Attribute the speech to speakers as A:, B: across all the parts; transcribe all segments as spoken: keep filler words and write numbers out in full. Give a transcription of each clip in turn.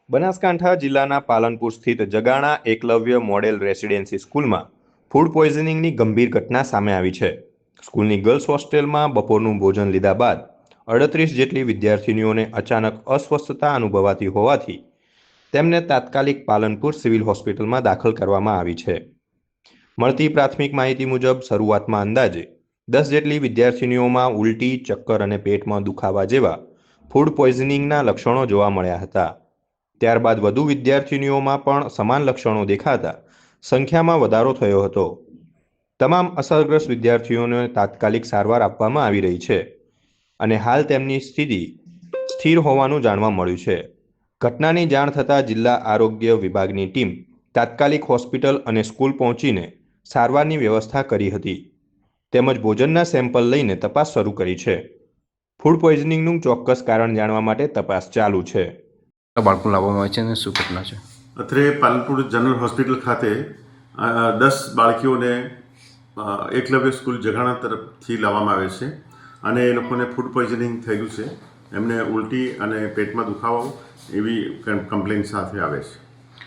A: બનાસકાંઠા જિલ્લાના પાલનપુર સ્થિત Jagana Eklavya model residency સ્કૂલમાં ફૂડ પોઈઝનિંગની ગંભીર ઘટના સામે આવી છે. સ્કૂલની ગર્લ્સ હોસ્ટેલમાં બપોરનું ભોજન લીધા બાદ અડત્રીસ જેટલી વિદ્યાર્થિનીઓને અચાનક અસ્વસ્થતા અનુભવાતી હોવાથી તેમને તાત્કાલિક પાલનપુર સિવિલ હોસ્પિટલમાં દાખલ કરવામાં આવી છે. મળતી પ્રાથમિક માહિતી મુજબ શરૂઆતમાં અંદાજે દસ જેટલી વિદ્યાર્થિનીઓમાં ઉલટી, ચક્કર અને પેટમાં દુખાવા જેવા ફૂડ પોઈઝનિંગના લક્ષણો જોવા મળ્યા હતા. ત્યારબાદ વધુ વિદ્યાર્થિનીઓમાં પણ સમાન લક્ષણો દેખાતા સંખ્યામાં વધારો થયો હતો. તમામ અસરગ્રસ્ત વિદ્યાર્થીઓને તાત્કાલિક સારવાર આપવામાં આવી રહી છે અને હાલ તેમની સ્થિતિ સ્થિર હોવાનું જાણવા મળ્યું છે. ઘટનાની જાણ થતાં જિલ્લા આરોગ્ય વિભાગની ટીમ તાત્કાલિક હોસ્પિટલ અને સ્કૂલ પહોંચીને સારવારની વ્યવસ્થા કરી હતી તેમજ ભોજનના સેમ્પલ લઈને તપાસ શરૂ કરી છે. ફૂડ પોઈઝનિંગનું ચોક્કસ કારણ જાણવા માટે તપાસ ચાલુ છે.
B: બાળકો લાવવામાં આવે છે અને શું ઘટના છે?
C: અત્રે પાલનપુર જનરલ હોસ્પિટલ ખાતે દસ બાળકીઓને એકલવ્ય સ્કૂલ જગાણા તરફથી લાવવામાં આવે છે અને એ લોકોને ફૂડ પોઈઝનિંગ થયેલું છે. એમને ઉલટી અને પેટમાં દુખાવો એવી કમ્પ્લેન સાથે આવે છે.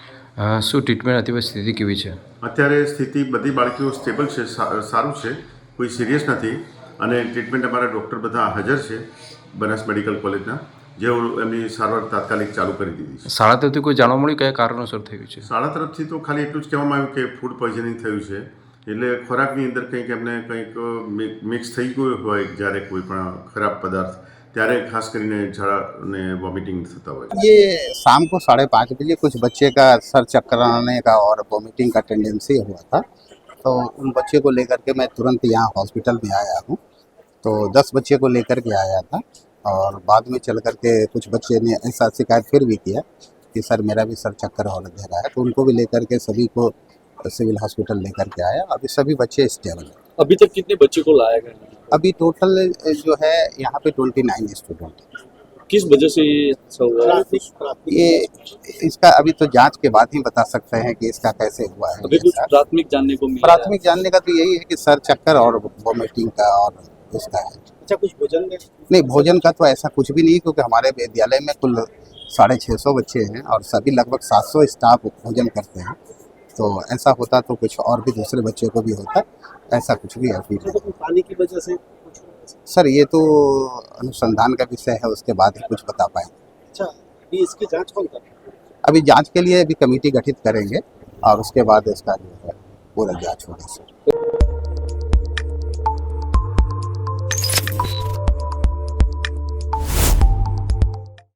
B: શું ટ્રીટમેન્ટ હતી? સ્થિતિ કેવી છે
C: અત્યારે? સ્થિતિ બધી બાળકીઓ સ્ટેબલ છે, સારું છે, કોઈ સિરિયસ નથી અને ટ્રીટમેન્ટ અમારા ડૉક્ટર બધા હાજર છે બનાસ મેડિકલ કોલેજના, જેઓ એમની સારવાર તાત્કાલિક ચાલુ કરી દીધી છે.
B: શાળા તરફથી કોઈ જાણવા મળ્યું કયા કારણોસર થયું છે?
C: શાળા તરફથી તો ખાલી એટલું જ કહેવામાં આવ્યું કે ફૂડ પોઈઝનિંગ થયું છે, એટલે ખોરાકની અંદર કંઈક એમને કંઈક મિક્સ થઈ ગયું હોય જ્યારે કોઈ પણ ખરાબ પદાર્થ, ત્યારે ખાસ કરીને ઝાડા અને વોમિટિંગ થતા હોય.
D: ये शाम को साढ़े पाँच बजे कुछ बच्चे का सर चक्कर आने का और वोमिटिंग का टेंडेंसी हुआ था, तो उन बच्चे को लेकर के मैं तुरंत यहाँ हॉस्पिटल में आया हूँ. तो दस बच्चे को लेकर के आया था और बाद में चल कर के कुछ बच्चे ने ऐसा शिकायत फिर भी किया कि सर मेरा भी सर चक्कर होने दे रहा है, तो उनको भी लेकर के सभी को सिविल हॉस्पिटल लेकर के आया. अभी सभी बच्चे स्टेबल हैं.
E: अभी तक कितने बच्चे को लाया गया?
D: अभी टोटल जो है यहाँ पे ट्वेंटी नाइन स्टूडेंट.
E: किस वजह से ये ऐसा हुआ है?
D: ये इसका अभी तो जांच के बाद ही बता सकते हैं कि इसका कैसे हुआ है.
E: अभी कुछ प्राथमिक जानने को मिला?
D: प्राथमिक जानने का तो यही है कि सर चक्कर और वोमिटिंग का और उसका है.
E: अच्छा, कुछ भोजन में?
D: नहीं, भोजन का तो ऐसा कुछ भी नहीं, क्योंकि हमारे विद्यालय में कुल साढ़े छः सौ बच्चे हैं और सभी लगभग सात सौ स्टाफ भोजन करते हैं. तो ऐसा होता तो कुछ और भी दूसरे बच्चों को भी होता, ऐसा कुछ भी अभी नहीं.
E: पानी की वजह से?
D: सर ये तो अनुसंधान का विषय है, उसके बाद ही कुछ बता पाएंगे.
E: अच्छा, अभी इसकी जांच कौन करेगा?
D: अभी जांच के लिए अभी कमेटी गठित करेंगे और उसके बाद इसका जो है पूरा जांच होगा सर.